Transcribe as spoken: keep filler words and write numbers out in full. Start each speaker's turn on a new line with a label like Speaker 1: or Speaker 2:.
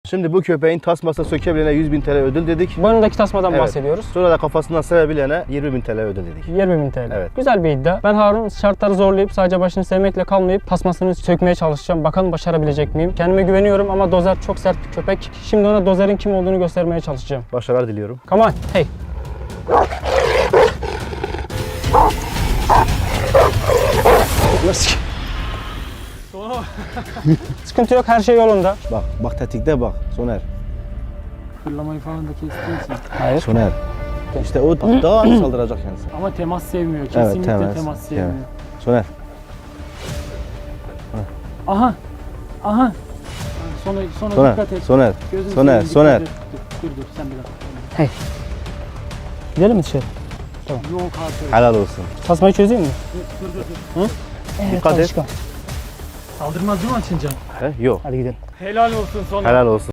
Speaker 1: Şimdi bu köpeğin tasmasını sökebilene yüz bin T L ödül dedik.
Speaker 2: Boynundaki tasmadan
Speaker 1: Evet.
Speaker 2: bahsediyoruz.
Speaker 1: Sonra da kafasından sevebilene yirmi bin T L ödül dedik.
Speaker 2: yirmi bin T L.
Speaker 1: Evet.
Speaker 2: Güzel bir iddia. Ben Harun şartları zorlayıp sadece başını sevmekle kalmayıp tasmasını sökmeye çalışacağım. Bakalım başarabilecek miyim? Kendime güveniyorum ama Dozer çok sert bir köpek. Şimdi ona Dozer'in kim olduğunu göstermeye çalışacağım.
Speaker 1: Başarılar diliyorum.
Speaker 2: Come on. Hey. Sıkıntı yok, her şey yolunda.
Speaker 1: Bak, bak tetikte bak Soner.
Speaker 3: Fırlamayı falan da kestiyorsun.
Speaker 2: Hayır.
Speaker 1: Soner. İşte o daha az saldıracak kendisi.
Speaker 3: Ama temas sevmiyor. Kesinlikle
Speaker 1: temas,
Speaker 3: temas sevmiyor.
Speaker 1: evet. Soner.
Speaker 3: Aha. Aha. Sonra, sonra
Speaker 1: Soner.
Speaker 3: dikkat et.
Speaker 1: Soner.
Speaker 3: Gözünü
Speaker 1: Soner.
Speaker 3: seveyim, dikkat
Speaker 1: Soner.
Speaker 3: et. Dur, dur dur sen bir dakika.
Speaker 2: Gidelim mi dışarı?
Speaker 3: Yok artık.
Speaker 1: Helal olsun.
Speaker 2: Tasmayı çözeyim mi?
Speaker 3: Dur dur dur.
Speaker 2: Evet,
Speaker 1: Dikkat et.
Speaker 2: alışkan.
Speaker 3: Saldırmaz değil mi açınca?
Speaker 1: He? Yok.
Speaker 2: Hadi gidelim.
Speaker 3: Helal olsun sonra.
Speaker 1: Helal olsun.